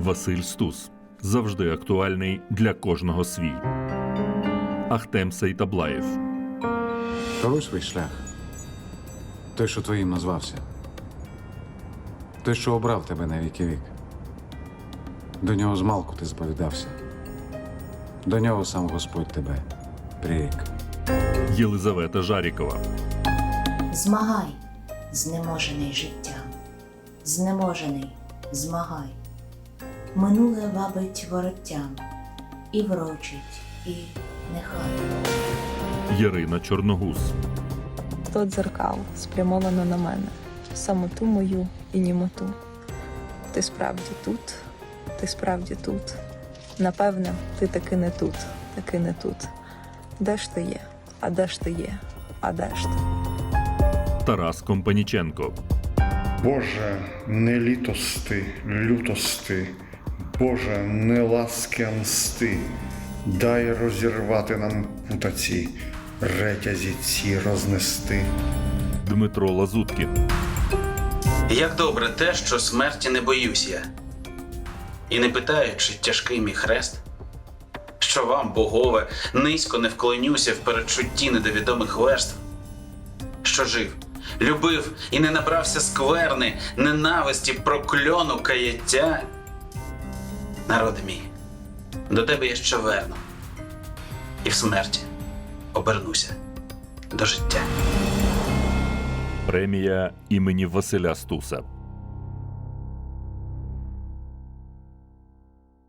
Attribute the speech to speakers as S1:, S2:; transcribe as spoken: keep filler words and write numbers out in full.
S1: Василь Стус. Завжди актуальний для кожного свій. Ахтем Сейтаблаєв.
S2: Коруй свій шлях. Той, що твоїм назвався. Той, що обрав тебе на віки вік. До нього змалку ти сповідався. До нього сам Господь тебе прирік.
S1: Єлизавета Жарікова.
S3: Змагай, знеможений життям, знеможений, змагай. Минуле вабить вороттям, і врочить, і нехай.
S1: Ярина Чорногуз.
S4: Сто дзеркал спрямовано на мене, самоту мою і німоту. Ти справді тут, ти справді тут. Напевне, ти таки не тут, таки не тут. Де ж ти є? А де ж ти є? А де ж ти?
S1: Тарас Компаніченко.
S5: Боже, не літости, лютости, Боже, не ласки, а мсти, дай розірвати нам путаці, ретязі ці рознести.
S1: Дмитро Лазуткін.
S6: Як добре те, що смерті не боюсь я. І не питаю, чи тяжкий мій хрест, що вам, богове, низько не вклонюся в передчутті недовідомих верств, що жив, любив і не набрався скверни, ненависті, прокльону, каяття. Народи мій, до тебе я ще верну, і в смерті обернуся до життя.
S1: Премія імені Василя Стуса.